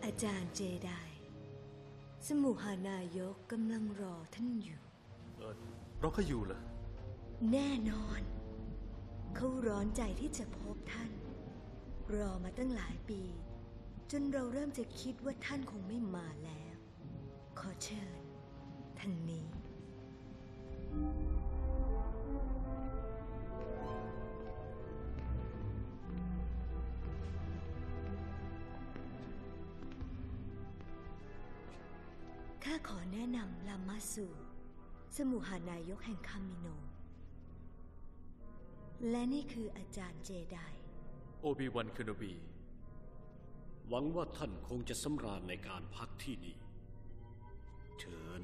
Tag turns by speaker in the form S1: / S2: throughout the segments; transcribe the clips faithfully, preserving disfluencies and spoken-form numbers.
S1: อาจารย์เจไดสมุหานายกกำลังรอท่านอยู่
S2: เออเราก็อยู่เหรอ
S1: แน่นอนเขาร้อนใจที่จะพบท่านรอมาตั้งหลายปีจนเราเริ่มจะคิดว่าท่านคงไม่มาแล้วขอเชิญทางนี้ข้าขอแนะนำลามาสูสมุหานายกแห่งคามิโนและนี่คืออาจารย์เจได
S2: โอบิวันเคโนบี
S3: หวังว่าท่านคงจะสำราญในการพักที่นี่เชิญ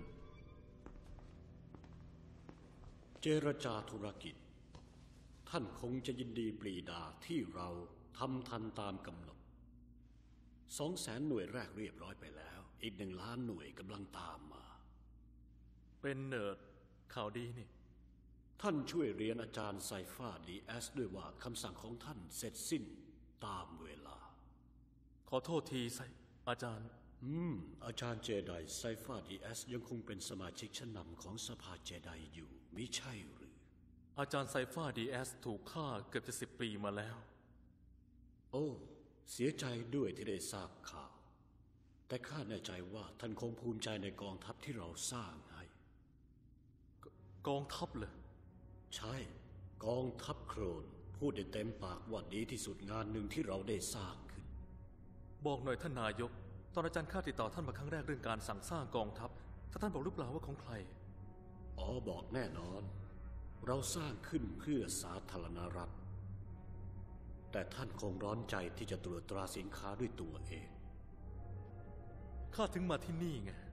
S3: เจรจาธุรกิจท่านคงจะยินดีปรีดาที่เราทำทันตามกำหนดสองแสนหน่วยแรกเรียบร้อยไปแล้วอีกหนึ่งล้านหน่วยกำลังตามมา
S2: เป็นเนิร์ดข่าวดีนี่
S3: ท่านช่วยเรียนอาจารย์ไซฟ้าดีเอสด้วยว่าคำสั่งของท่านเสร็จสิ้นตามเวลา
S2: ขอโทษทีไซอาจารย์
S3: อืมอาจารย์เจไดไซฟ้าดีเอสยังคงเป็นสมาชิกชั้นนำของสภาเจไดอยู่มิใช่หรือ
S2: อาจารย์ไซฟ้าดีเอสถูกฆ่าเกือบจะสิบปีมาแล้ว
S3: โอ้เสียใจด้วยที่ได้ทราบข่าวแต่ข้าแน่ใจว่าท่านคงภูมิใจในกองทัพที่เราสร้างให้
S2: กองทัพเหรอ
S3: ใช่กองทัพโครนพูดได้เต็มปากว่าดีที่สุดงานหนึ่งที่เราได้สร้างขึ้น
S2: บอกหน่อยท่านนายกตอนอาจารย์ข้าติดต่อท่านมาครั้งแรกเรื่องการสั่งสร้างกองทัพถ้าท่านบอกหรือเปล่าว่าของใคร
S3: อ๋อบอกแน่นอนเราสร้างขึ้นเพื่อสาธารณรัฐแต่ท่านคงร้อนใจที่จะตรวจตราสินค้าด้วยตัวเอง
S2: ข้าถึงมาที่นี่ไง